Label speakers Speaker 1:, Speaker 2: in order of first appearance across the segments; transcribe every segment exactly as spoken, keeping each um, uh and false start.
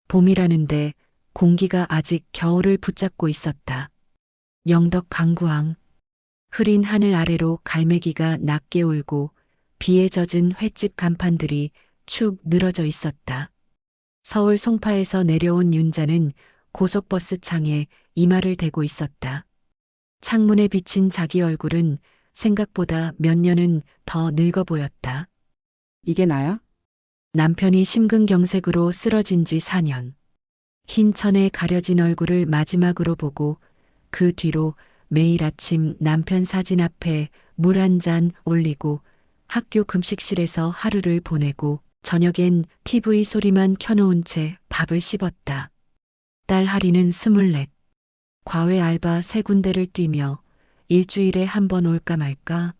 Speaker 1: 봄이라는데 공기가 아직 겨울을 붙잡고 있었다. 영덕 강구항. 흐린 하늘 아래로 갈매기가 낮게 울고 비에 젖은 횟집 간판들이 축 늘어져 있었다. 서울 송파에서 내려온 윤자는 고속버스 창에 이마를 대고 있었다. 창문에 비친 자기 얼굴은 생각보다 몇 년은 더 늙어 보였다.
Speaker 2: 이게 나야?
Speaker 1: 남편이 심근경색으로 쓰러진 지 사 년. 흰 천에 가려진 얼굴을 마지막으로 보고 그 뒤로 매일 아침 남편 사진 앞에 물 한 잔 올리고 학교 급식실에서 하루를 보내고 저녁엔 티비 소리만 켜놓은 채 밥을 씹었다. 딸 하리는 스물넷. 과외 알바 세 군데를 뛰며 일주일에 한 번 올까 말까.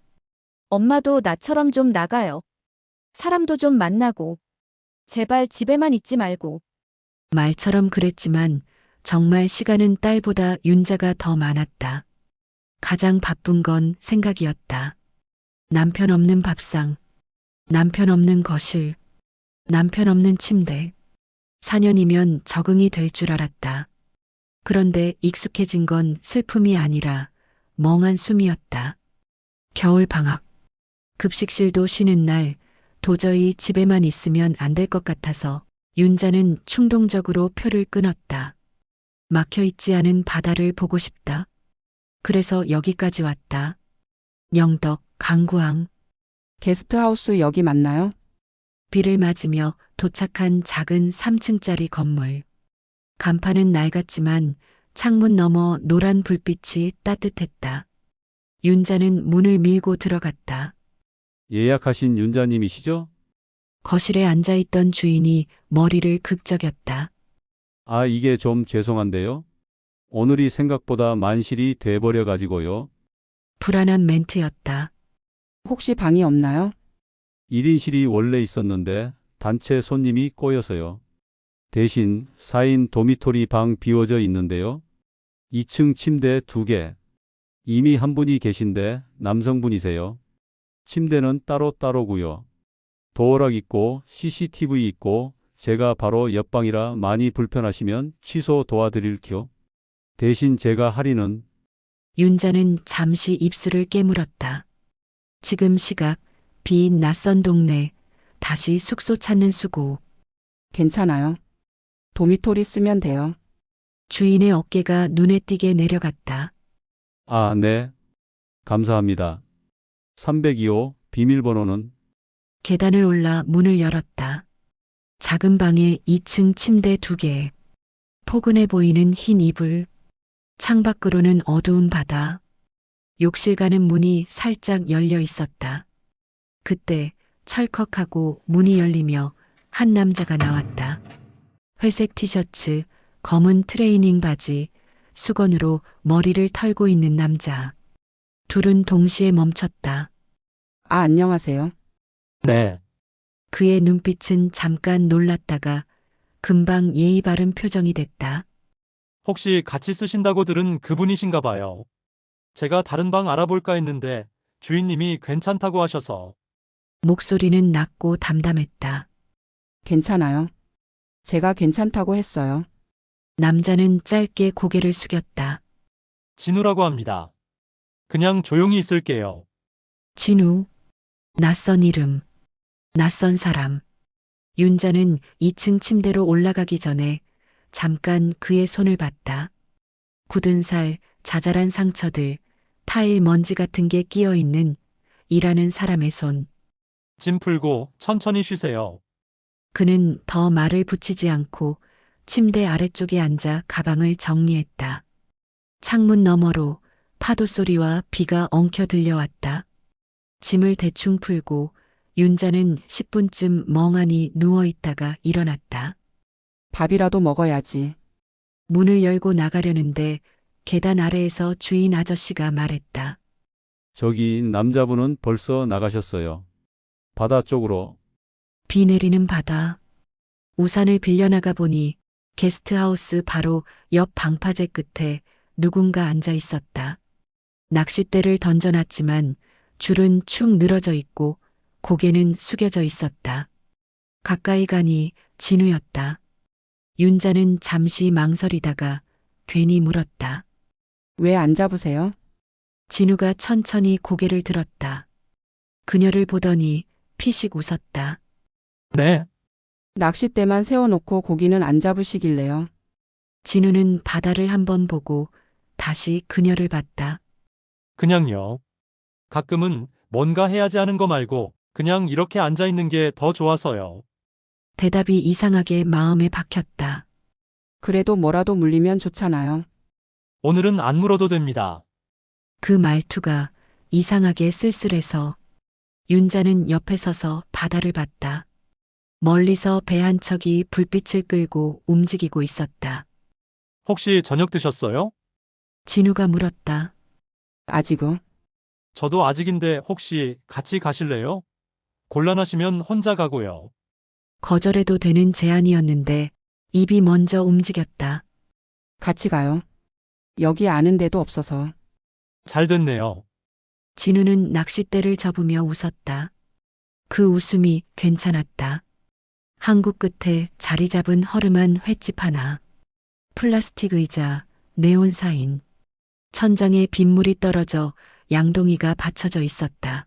Speaker 3: 엄마도 나처럼 좀 나가요. 사람도 좀 만나고. 제발 집에만 있지 말고.
Speaker 1: 말처럼 그랬지만 정말 시간은 딸보다 윤자가 더 많았다. 가장 바쁜 건 생각이었다. 남편 없는 밥상, 남편 없는 거실, 남편 없는 침대. 사 년이면 적응이 될 줄 알았다. 그런데 익숙해진 건 슬픔이 아니라 멍한 숨이었다. 겨울 방학. 급식실도 쉬는 날 도저히 집에만 있으면 안 될 것 같아서 윤자는 충동적으로 표를 끊었다. 막혀 있지 않은 바다를 보고 싶다. 그래서 여기까지 왔다. 영덕 강구항.
Speaker 2: 게스트하우스 여기 맞나요?
Speaker 1: 비를 맞으며 도착한 작은 삼 층짜리 건물. 간판은 낡았지만 창문 너머 노란 불빛이 따뜻했다. 윤자는 문을 밀고 들어갔다.
Speaker 4: 예약하신 윤자님이시죠?
Speaker 1: 거실에 앉아있던 주인이 머리를 극적였다.
Speaker 4: 아, 이게 좀 죄송한데요. 오늘이 생각보다 만실이 돼버려 가지고요.
Speaker 1: 불안한 멘트였다.
Speaker 2: 혹시 방이 없나요?
Speaker 4: 일 인실이 원래 있었는데 단체 손님이 꼬여서요. 대신 사 인 도미토리 방 비워져 있는데요. 이 층 침대 두 개. 이미 한 분이 계신데 남성분이세요. 침대는 따로따로고요. 도어락 있고 씨씨티비 있고 제가 바로 옆방이라 많이 불편하시면 취소 도와드릴게요. 대신 제가 할인은
Speaker 1: 윤자는 잠시 입술을 깨물었다. 지금 시각 빈 낯선 동네 다시 숙소 찾는 수고.
Speaker 2: 괜찮아요. 도미토리 쓰면 돼요.
Speaker 1: 주인의 어깨가 눈에 띄게 내려갔다.
Speaker 4: 아, 네. 감사합니다. 삼공이 호 비밀번호는
Speaker 1: 계단을 올라 문을 열었다. 작은 방에 이 층 침대 두 개. 포근해 보이는 흰 이불. 창밖으로는 어두운 바다. 욕실 가는 문이 살짝 열려 있었다. 그때 철컥하고 문이 열리며 한 남자가 나왔다. 회색 티셔츠, 검은 트레이닝 바지, 수건으로 머리를 털고 있는 남자. 둘은 동시에 멈췄다.
Speaker 2: 아, 안녕하세요.
Speaker 5: 네,
Speaker 1: 그의 눈빛은 잠깐 놀랐다가 금방 예의 바른 표정이 됐다.
Speaker 5: 혹시 같이 쓰신다고 들은 그분이신가 봐요. 제가 다른 방 알아볼까 했는데 주인님이 괜찮다고 하셔서.
Speaker 1: 목소리는 낮고 담담했다.
Speaker 2: 괜찮아요. 제가 괜찮다고 했어요.
Speaker 1: 남자는 짧게 고개를 숙였다.
Speaker 5: 진우라고 합니다. 그냥 조용히 있을게요.
Speaker 1: 진우. 낯선 이름. 낯선 사람. 윤자는 이 층 침대로 올라가기 전에 잠깐 그의 손을 봤다. 굳은 살, 자잘한 상처들, 타일 먼지 같은 게 끼어 있는 일하는 사람의 손.
Speaker 5: 짐 풀고 천천히 쉬세요.
Speaker 1: 그는 더 말을 붙이지 않고 침대 아래쪽에 앉아 가방을 정리했다. 창문 너머로 파도 소리와 비가 엉켜 들려왔다. 짐을 대충 풀고 윤자는 십 분쯤 멍하니 누워 있다가 일어났다.
Speaker 2: 밥이라도 먹어야지.
Speaker 1: 문을 열고 나가려는데 계단 아래에서 주인 아저씨가 말했다.
Speaker 4: 저기 남자분은 벌써 나가셨어요. 바다 쪽으로.
Speaker 1: 비 내리는 바다. 우산을 빌려나가 보니 게스트하우스 바로 옆 방파제 끝에 누군가 앉아 있었다. 낚싯대를 던져놨지만 줄은 축 늘어져 있고 고개는 숙여져 있었다. 가까이 가니 진우였다. 윤자는 잠시 망설이다가 괜히 물었다.
Speaker 2: 왜 안 잡으세요?
Speaker 1: 진우가 천천히 고개를 들었다. 그녀를 보더니 피식 웃었다.
Speaker 5: 네,
Speaker 2: 낚싯대만 세워놓고 고기는 안 잡으시길래요.
Speaker 1: 진우는 바다를 한번 보고 다시 그녀를 봤다.
Speaker 5: 그냥요. 가끔은 뭔가 해야지 하는 거 말고 그냥 이렇게 앉아 있는 게 더 좋아서요.
Speaker 1: 대답이 이상하게 마음에 박혔다.
Speaker 2: 그래도 뭐라도 물리면 좋잖아요.
Speaker 5: 오늘은 안 물어도 됩니다.
Speaker 1: 그 말투가 이상하게 쓸쓸해서 윤자는 옆에 서서 바다를 봤다. 멀리서 배 한 척이 불빛을 끌고 움직이고 있었다.
Speaker 5: 혹시 저녁 드셨어요?
Speaker 1: 진우가 물었다.
Speaker 2: 아직은.
Speaker 5: 저도 아직인데 혹시 같이 가실래요? 곤란하시면 혼자 가고요.
Speaker 1: 거절해도 되는 제안이었는데 입이 먼저 움직였다.
Speaker 2: 같이 가요. 여기 아는 데도 없어서.
Speaker 5: 잘 됐네요.
Speaker 1: 진우는 낚싯대를 접으며 웃었다. 그 웃음이 괜찮았다. 항구 끝에 자리 잡은 허름한 횟집 하나. 플라스틱 의자, 네온 사인. 천장에 빗물이 떨어져 양동이가 받쳐져 있었다.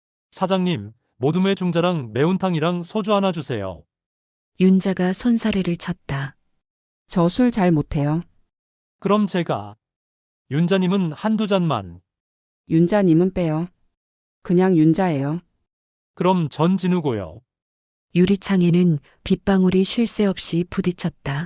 Speaker 5: 사장님, 모둠의 중자랑 매운탕이랑 소주 하나 주세요.
Speaker 1: 윤자가 손사래를 쳤다.
Speaker 2: 저 술 잘 못해요.
Speaker 5: 그럼 제가. 윤자님은 한두 잔만.
Speaker 2: 윤자님은 빼요. 그냥 윤자예요.
Speaker 5: 그럼 전 진우고요.
Speaker 1: 유리창에는 빗방울이 쉴 새 없이 부딪혔다.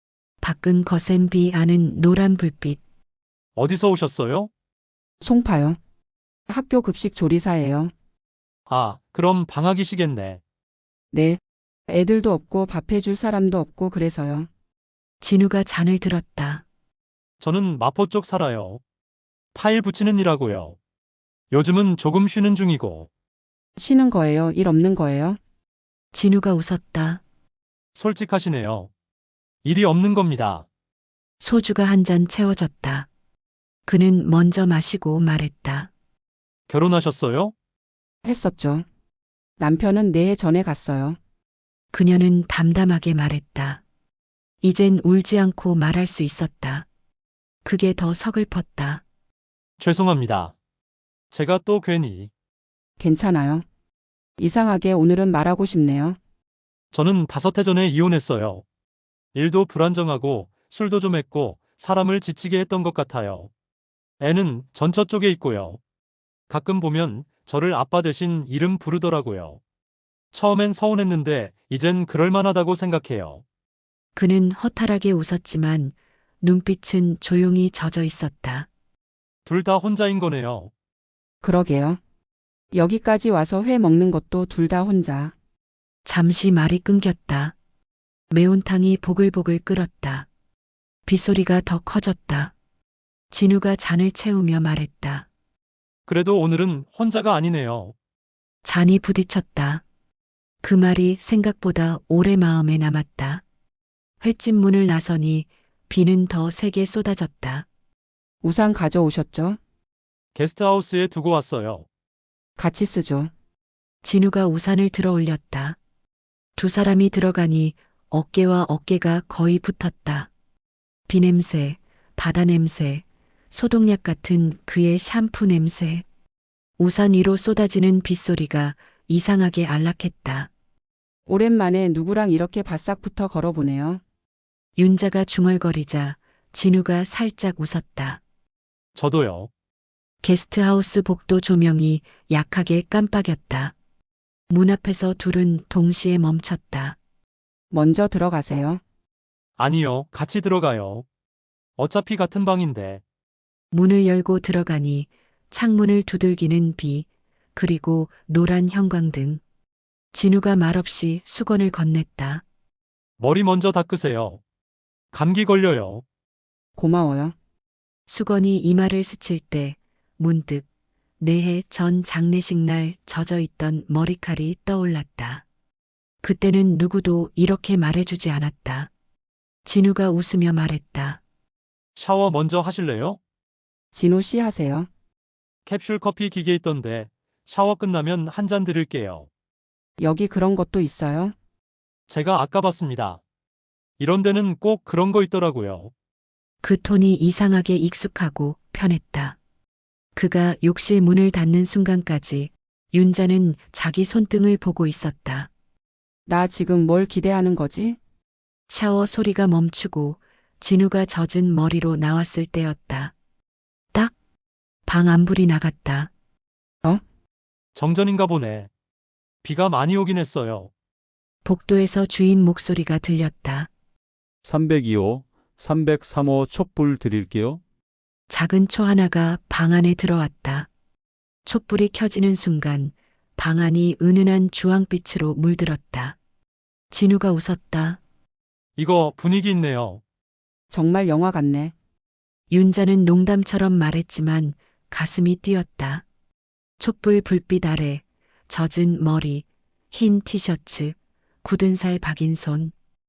Speaker 1: 밖은 거센 비 아는 노란 불빛.
Speaker 5: 어디서 오셨어요?
Speaker 2: 송파요. 학교 급식 조리사예요.
Speaker 5: 아, 그럼 방학이시겠네.
Speaker 2: 네. 애들도 없고 밥 해줄 사람도 없고 그래서요.
Speaker 1: 진우가 잔을 들었다.
Speaker 5: 저는 마포 쪽 살아요. 타일 붙이는 일하고요. 요즘은 조금 쉬는 중이고.
Speaker 2: 쉬는 거예요? 일 없는 거예요?
Speaker 1: 진우가 웃었다.
Speaker 5: 솔직하시네요. 일이 없는 겁니다.
Speaker 1: 소주가 한 잔 채워졌다. 그는 먼저 마시고 말했다.
Speaker 5: 결혼하셨어요?
Speaker 2: 했었죠. 남편은 네 해 전에 갔어요.
Speaker 1: 그녀는 담담하게 말했다. 이젠 울지 않고 말할 수 있었다. 그게 더 서글펐다.
Speaker 5: 죄송합니다. 제가 또 괜히.
Speaker 2: 괜찮아요. 이상하게 오늘은 말하고 싶네요.
Speaker 5: 저는 다섯 해 전에 이혼했어요. 일도 불안정하고 술도 좀 했고 사람을 지치게 했던 것 같아요. 애는 전처 쪽에 있고요. 가끔 보면 저를 아빠 대신 이름 부르더라고요. 처음엔 서운했는데 이젠 그럴만하다고 생각해요.
Speaker 1: 그는 허탈하게 웃었지만 눈빛은 조용히 젖어 있었다.
Speaker 5: 둘 다 혼자인 거네요.
Speaker 2: 그러게요. 여기까지 와서 회 먹는 것도 둘 다 혼자.
Speaker 1: 잠시 말이 끊겼다. 매운탕이 보글보글 끓었다. 빗소리가 더 커졌다. 진우가 잔을 채우며 말했다.
Speaker 5: 그래도 오늘은 혼자가 아니네요.
Speaker 1: 잔이 부딪혔다. 그 말이 생각보다 오래 마음에 남았다. 횟집 문을 나서니 비는 더 세게 쏟아졌다.
Speaker 2: 우산 가져오셨죠?
Speaker 5: 게스트하우스에 두고 왔어요.
Speaker 2: 같이 쓰죠.
Speaker 1: 진우가 우산을 들어 올렸다. 두 사람이 들어가니 어깨와 어깨가 거의 붙었다. 비 냄새, 바다 냄새, 소독약 같은 그의 샴푸 냄새. 우산 위로 쏟아지는 빗소리가 이상하게 안락했다.
Speaker 2: 오랜만에 누구랑 이렇게 바싹부터 걸어보네요.
Speaker 1: 윤자가 중얼거리자 진우가 살짝 웃었다.
Speaker 5: 저도요.
Speaker 1: 게스트하우스 복도 조명이 약하게 깜빡였다. 문 앞에서 둘은 동시에 멈췄다.
Speaker 2: 먼저 들어가세요.
Speaker 5: 아니요, 같이 들어가요. 어차피 같은 방인데.
Speaker 1: 문을 열고 들어가니 창문을 두들기는 비, 그리고 노란 형광등. 진우가 말없이 수건을 건넸다.
Speaker 5: 머리 먼저 닦으세요. 감기 걸려요.
Speaker 2: 고마워요.
Speaker 1: 수건이 이마를 스칠 때 문득 네해 전 장례식 날 젖어 있던 머리칼이 떠올랐다. 그때는 누구도 이렇게 말해주지 않았다. 진우가 웃으며 말했다.
Speaker 5: 샤워 먼저 하실래요?
Speaker 2: 진호 씨 하세요.
Speaker 5: 캡슐 커피 기계 있던데 샤워 끝나면 한 잔 드릴게요.
Speaker 2: 여기 그런 것도 있어요?
Speaker 5: 제가 아까 봤습니다. 이런 데는 꼭 그런 거 있더라고요.
Speaker 1: 그 톤이 이상하게 익숙하고 편했다. 그가 욕실 문을 닫는 순간까지 윤자는 자기 손등을 보고 있었다.
Speaker 2: 나 지금 뭘 기대하는 거지?
Speaker 1: 샤워 소리가 멈추고 진우가 젖은 머리로 나왔을 때였다. 딱! 방 안불이 나갔다.
Speaker 5: 정전인가 보네. 비가 많이 오긴 했어요.
Speaker 1: 복도에서 주인 목소리가 들렸다.
Speaker 4: 삼백이 호, 삼백삼 호 촛불 드릴게요.
Speaker 1: 작은 초 하나가 방 안에 들어왔다. 촛불이 켜지는 순간 방 안이 은은한 주황빛으로 물들었다. 진우가 웃었다.
Speaker 5: 이거 분위기 있네요.
Speaker 2: 정말 영화 같네.
Speaker 1: 윤자는 농담처럼 말했지만 가슴이 뛰었다. 촛불 불빛 아래 젖은 머리, 흰 티셔츠, 굳은 살 박인 손.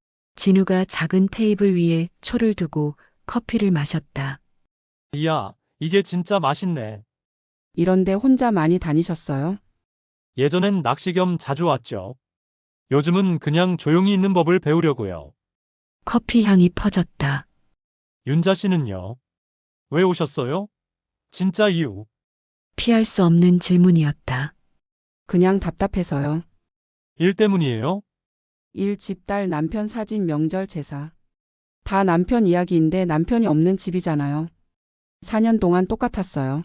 Speaker 1: 진우가 작은 테이블 위에 초를 두고 커피를 마셨다.
Speaker 5: 이야, 이게 진짜 맛있네.
Speaker 2: 이런데 혼자 많이 다니셨어요?
Speaker 5: 예전엔 낚시 겸 자주 왔죠. 요즘은 그냥 조용히 있는 법을 배우려고요.
Speaker 1: 커피 향이 퍼졌다.
Speaker 5: 윤자 씨는요? 왜 오셨어요? 진짜 이유.
Speaker 1: 피할 수 없는 질문이었다.
Speaker 2: 그냥 답답해서요.
Speaker 5: 일 때문이에요?
Speaker 2: 일, 집, 딸, 남편 사진, 명절, 제사. 다 남편 이야기인데 남편이 없는 집이잖아요. 사 년 동안 똑같았어요.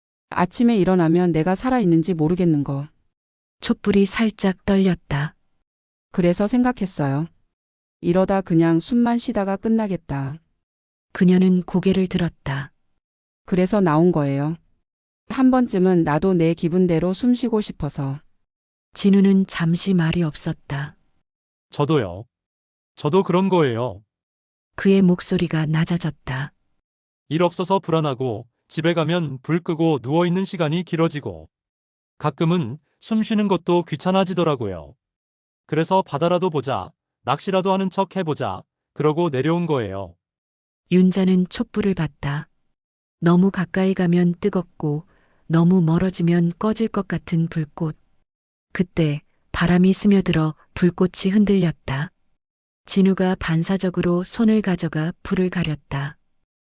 Speaker 2: 아침에 일어나면 내가 살아있는지 모르겠는 거.
Speaker 1: 촛불이 살짝 떨렸다.
Speaker 2: 그래서 생각했어요. 이러다 그냥 숨만 쉬다가 끝나겠다.
Speaker 1: 그녀는 고개를 들었다.
Speaker 2: 그래서 나온 거예요. 한 번쯤은 나도 내 기분대로 숨 쉬고 싶어서.
Speaker 1: 진우는 잠시 말이 없었다.
Speaker 5: 저도요. 저도 그런 거예요.
Speaker 1: 그의 목소리가 낮아졌다.
Speaker 5: 일 없어서 불안하고 집에 가면 불 끄고 누워있는 시간이 길어지고 가끔은 숨 쉬는 것도 귀찮아지더라고요. 그래서 바다라도 보자, 낚시라도 하는 척 해보자, 그러고 내려온 거예요.
Speaker 1: 윤자는 촛불을 봤다. 너무 가까이 가면 뜨겁고 너무 멀어지면 꺼질 것 같은 불꽃. 그때 바람이 스며들어 불꽃이 흔들렸다. 진우가 반사적으로 손을 가져가 불을 가렸다.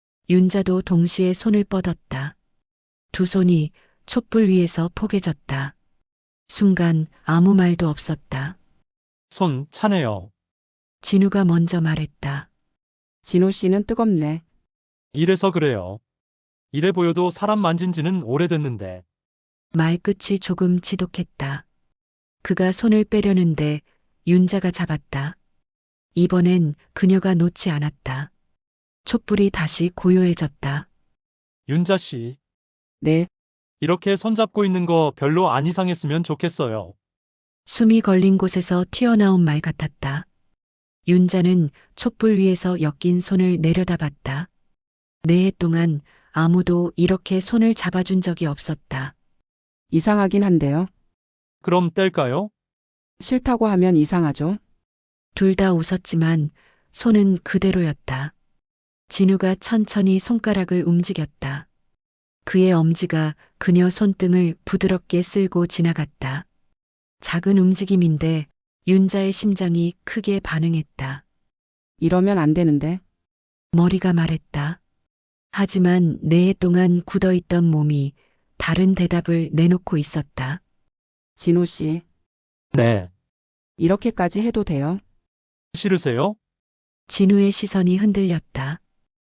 Speaker 1: 윤자도 동시에 손을 뻗었다. 두 손이 촛불 위에서 포개졌다. 순간 아무 말도 없었다.
Speaker 5: 손 차네요.
Speaker 1: 진우가 먼저 말했다.
Speaker 2: 진호 씨는 뜨겁네.
Speaker 5: 이래서 그래요. 이래 보여도 사람 만진 지는 오래됐는데.
Speaker 1: 말끝이 조금 지독했다. 그가 손을 빼려는데 윤자가 잡았다. 이번엔 그녀가 놓지 않았다. 촛불이 다시 고요해졌다.
Speaker 5: 윤자 씨,
Speaker 2: 네,
Speaker 5: 이렇게 손잡고 있는 거 별로 안 이상했으면 좋겠어요.
Speaker 1: 숨이 걸린 곳에서 튀어나온 말 같았다. 윤자는 촛불 위에서 엮인 손을 내려다봤다. 네 해 동안 아무도 이렇게 손을 잡아준 적이 없었다.
Speaker 2: 이상하긴 한데요.
Speaker 5: 그럼 뗄까요?
Speaker 2: 싫다고 하면 이상하죠.
Speaker 1: 둘 다 웃었지만 손은 그대로였다. 진우가 천천히 손가락을 움직였다. 그의 엄지가 그녀 손등을 부드럽게 쓸고 지나갔다. 작은 움직임인데 윤자의 심장이 크게 반응했다.
Speaker 2: 이러면 안 되는데.
Speaker 1: 머리가 말했다. 하지만 네 해 동안 굳어있던 몸이 다른 대답을 내놓고 있었다.
Speaker 2: 진호 씨,
Speaker 5: 네.
Speaker 2: 이렇게까지 해도 돼요?
Speaker 5: 싫으세요?
Speaker 1: 진우의 시선이 흔들렸다.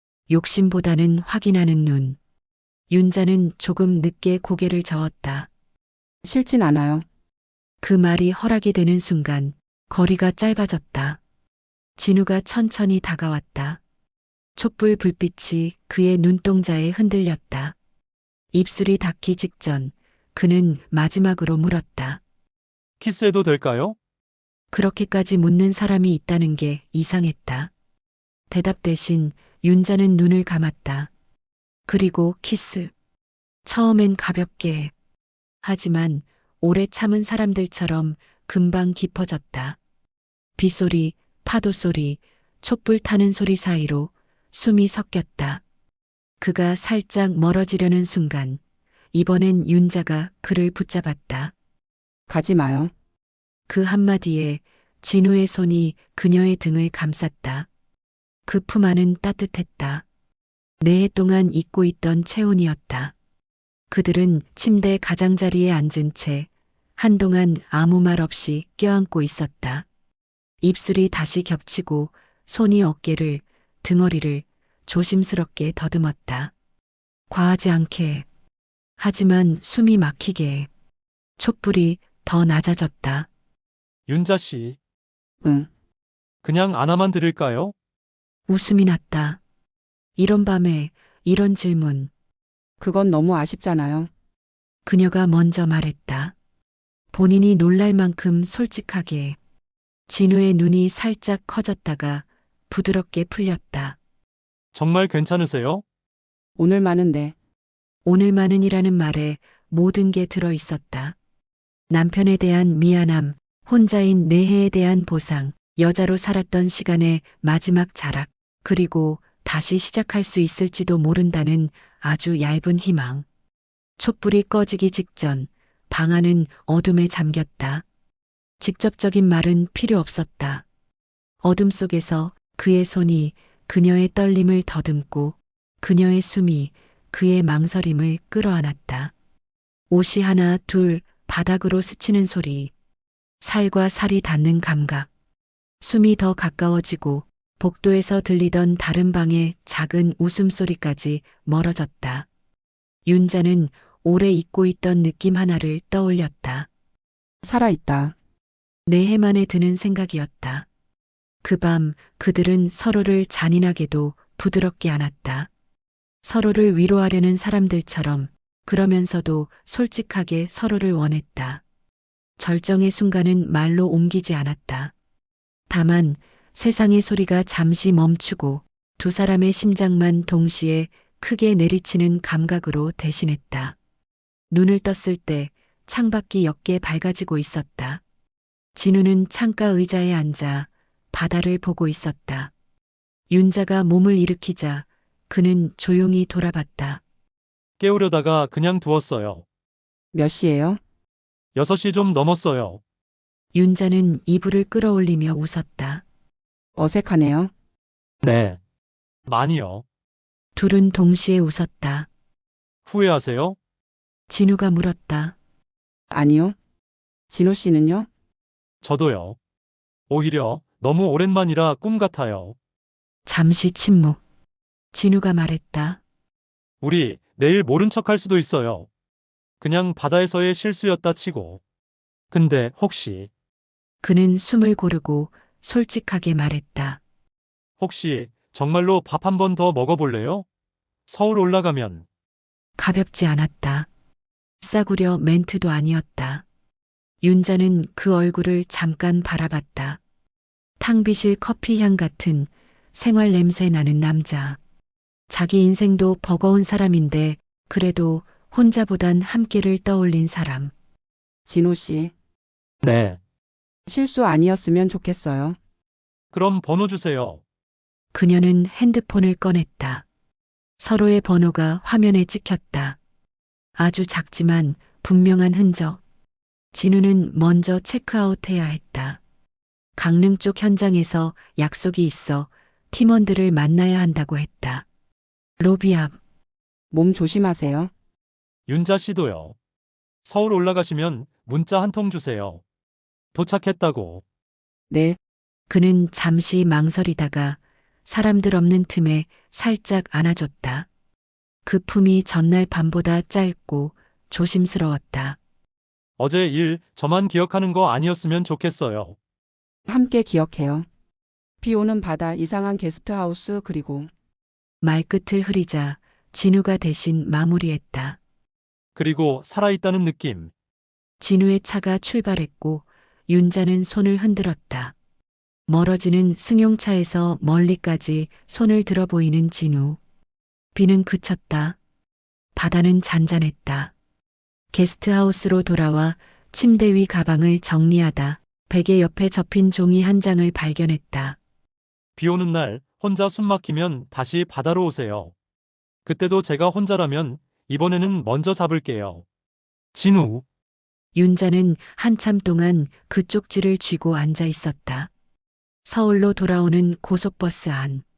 Speaker 1: 욕심보다는 확인하는 눈. 윤자는 조금 늦게 고개를 저었다.
Speaker 2: 싫진 않아요.
Speaker 1: 그 말이 허락이 되는 순간 거리가 짧아졌다. 진우가 천천히 다가왔다. 촛불 불빛이 그의 눈동자에 흔들렸다. 입술이 닿기 직전 그는 마지막으로 물었다.
Speaker 5: 키스해도 될까요?
Speaker 1: 그렇게까지 묻는 사람이 있다는 게 이상했다. 대답 대신 윤자는 눈을 감았다. 그리고 키스. 처음엔 가볍게. 하지만 오래 참은 사람들처럼 금방 깊어졌다. 빗소리, 파도 소리, 촛불 타는 소리 사이로 숨이 섞였다. 그가 살짝 멀어지려는 순간 이번엔 윤자가 그를 붙잡았다.
Speaker 2: 가지 마요.
Speaker 1: 그 한마디에 진우의 손이 그녀의 등을 감쌌다. 그 품 안은 따뜻했다. 네 해 동안 잊고 있던 체온이었다. 그들은 침대 가장자리에 앉은 채 한동안 아무 말 없이 껴안고 있었다. 입술이 다시 겹치고 손이 어깨를, 등허리를 조심스럽게 더듬었다. 과하지 않게. 하지만 숨이 막히게. 촛불이 더 낮아졌다.
Speaker 5: 윤자 씨,
Speaker 2: 응.
Speaker 5: 그냥 안아만 드릴까요?
Speaker 1: 웃음이 났다. 이런 밤에 이런 질문.
Speaker 2: 그건 너무 아쉽잖아요.
Speaker 1: 그녀가 먼저 말했다. 본인이 놀랄 만큼 솔직하게. 진우의 눈이 살짝 커졌다가 부드럽게 풀렸다.
Speaker 5: 정말 괜찮으세요?
Speaker 2: 오늘만은 네.
Speaker 1: 오늘만은이라는 말에 모든 게 들어 있었다. 남편에 대한 미안함, 혼자인 내해에 대한 보상, 여자로 살았던 시간의 마지막 자락, 그리고 다시 시작할 수 있을지도 모른다는 아주 얇은 희망. 촛불이 꺼지기 직전 방 안은 어둠에 잠겼다. 직접적인 말은 필요 없었다. 어둠 속에서 그의 손이 그녀의 떨림을 더듬고 그녀의 숨이 그의 망설임을 끌어안았다. 옷이 하나 둘 바닥으로 스치는 소리, 살과 살이 닿는 감각, 숨이 더 가까워지고 복도에서 들리던 다른 방의 작은 웃음소리까지 멀어졌다. 윤자는 오래 잊고 있던 느낌 하나를 떠올렸다.
Speaker 2: 살아있다.
Speaker 1: 네 해 만에 드는 생각이었다. 그 밤 그들은 서로를 잔인하게도 부드럽게 안았다. 서로를 위로하려는 사람들처럼, 그러면서도 솔직하게 서로를 원했다. 절정의 순간은 말로 옮기지 않았다. 다만 세상의 소리가 잠시 멈추고 두 사람의 심장만 동시에 크게 내리치는 감각으로 대신했다. 눈을 떴을 때 창밖이 옅게 밝아지고 있었다. 진우는 창가 의자에 앉아 바다를 보고 있었다. 윤자가 몸을 일으키자 그는 조용히 돌아봤다.
Speaker 5: 깨우려다가 그냥 두었어요.
Speaker 2: 몇 시예요?
Speaker 5: 여섯 시 좀 넘었어요.
Speaker 1: 윤자는 이불을 끌어올리며 웃었다.
Speaker 2: 어색하네요.
Speaker 5: 네. 많이요.
Speaker 1: 둘은 동시에 웃었다.
Speaker 5: 후회하세요?
Speaker 1: 진우가 물었다.
Speaker 2: 아니요. 진호 씨는요?
Speaker 5: 저도요. 오히려 너무 오랜만이라 꿈 같아요.
Speaker 1: 잠시 침묵. 진우가 말했다.
Speaker 5: 우리 내일 모른 척 할 수도 있어요. 그냥 바다에서의 실수였다 치고. 근데 혹시,
Speaker 1: 그는 숨을 고르고 솔직하게 말했다.
Speaker 5: 혹시 정말로 밥 한 번 더 먹어볼래요? 서울 올라가면.
Speaker 1: 가볍지 않았다. 싸구려 멘트도 아니었다. 윤자는 그 얼굴을 잠깐 바라봤다. 탕비실 커피향 같은 생활 냄새 나는 남자. 자기 인생도 버거운 사람인데 그래도 혼자보단 함께를 떠올린 사람.
Speaker 2: 진호 씨.
Speaker 5: 네.
Speaker 2: 실수 아니었으면 좋겠어요.
Speaker 5: 그럼 번호 주세요.
Speaker 1: 그녀는 핸드폰을 꺼냈다. 서로의 번호가 화면에 찍혔다. 아주 작지만 분명한 흔적. 진우는 먼저 체크아웃해야 했다. 강릉 쪽 현장에서 약속이 있어 팀원들을 만나야 한다고 했다. 로비 앞.
Speaker 2: 몸 조심하세요.
Speaker 5: 윤자 씨도요. 서울 올라가시면 문자 한 통 주세요. 도착했다고.
Speaker 2: 네.
Speaker 1: 그는 잠시 망설이다가 사람들 없는 틈에 살짝 안아줬다. 그 품이 전날 밤보다 짧고 조심스러웠다.
Speaker 5: 어제 일 저만 기억하는 거 아니었으면 좋겠어요.
Speaker 2: 함께 기억해요. 비 오는 바다, 이상한 게스트하우스, 그리고
Speaker 1: 말끝을 흐리자 진우가 대신 마무리했다.
Speaker 5: 그리고 살아있다는 느낌.
Speaker 1: 진우의 차가 출발했고 윤자는 손을 흔들었다. 멀어지는 승용차에서 멀리까지 손을 들어 보이는 진우. 비는 그쳤다. 바다는 잔잔했다. 게스트하우스로 돌아와 침대 위 가방을 정리하다 베개 옆에 접힌 종이 한 장을 발견했다.
Speaker 5: 비 오는 날 혼자 숨 막히면 다시 바다로 오세요. 그때도 제가 혼자라면 이번에는 먼저 잡을게요. 진우.
Speaker 1: 윤자는 한참 동안 그 쪽지를 쥐고 앉아 있었다. 서울로 돌아오는 고속버스 안.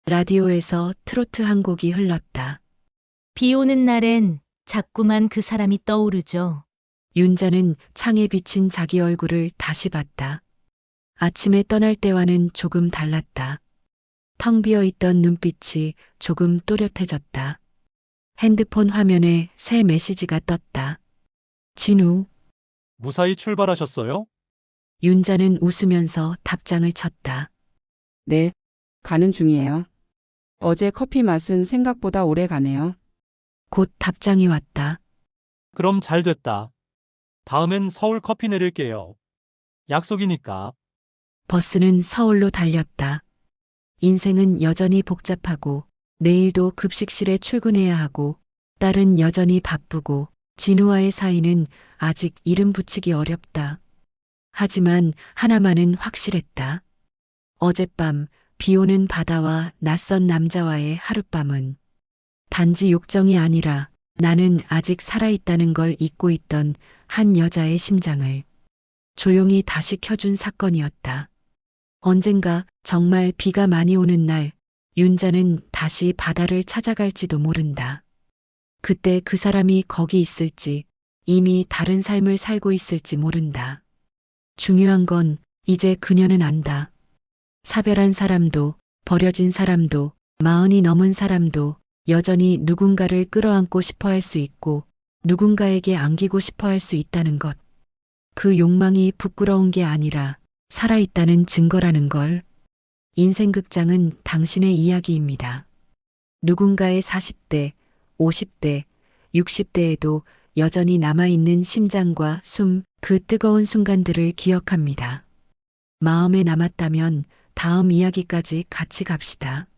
Speaker 1: 라디오에서 트로트 한 곡이 흘렀다.
Speaker 6: 비 오는 날엔 자꾸만 그 사람이 떠오르죠.
Speaker 1: 윤자는 창에 비친 자기 얼굴을 다시 봤다. 아침에 떠날 때와는 조금 달랐다. 텅 비어 있던 눈빛이 조금 또렷해졌다. 핸드폰 화면에 새 메시지가 떴다. 진우.
Speaker 5: 무사히 출발하셨어요?
Speaker 1: 윤자는 웃으면서 답장을 쳤다.
Speaker 2: 네, 가는 중이에요. 어제 커피 맛은 생각보다 오래 가네요.
Speaker 1: 곧 답장이 왔다.
Speaker 5: 그럼 잘 됐다. 다음엔 서울 커피 내릴게요. 약속이니까.
Speaker 1: 버스는 서울로 달렸다. 인생은 여전히 복잡하고 내일도 급식실에 출근해야 하고 딸은 여전히 바쁘고 진우와의 사이는 아직 이름 붙이기 어렵다. 하지만 하나만은 확실했다. 어젯밤 비 오는 바다와 낯선 남자와의 하룻밤은 단지 욕정이 아니라 나는 아직 살아있다는 걸 잊고 있던 한 여자의 심장을 조용히 다시 켜준 사건이었다. 언젠가 정말 비가 많이 오는 날 윤자는 다시 바다를 찾아갈지도 모른다. 그때 그 사람이 거기 있을지 이미 다른 삶을 살고 있을지 모른다. 중요한 건 이제 그녀는 안다. 사별한 사람도 버려진 사람도 마흔이 넘은 사람도 여전히 누군가를 끌어안고 싶어 할 수 있고 누군가에게 안기고 싶어 할 수 있다는 것. 그 욕망이 부끄러운 게 아니라 살아있다는 증거라는 걸. 인생 극장은 당신의 이야기입니다. 누군가의 사십 대, 오십 대, 육십 대에도 여전히 남아있는 심장과 숨, 그 뜨거운 순간들을 기억합니다. 마음에 남았다면 다음 이야기까지 같이 갑시다.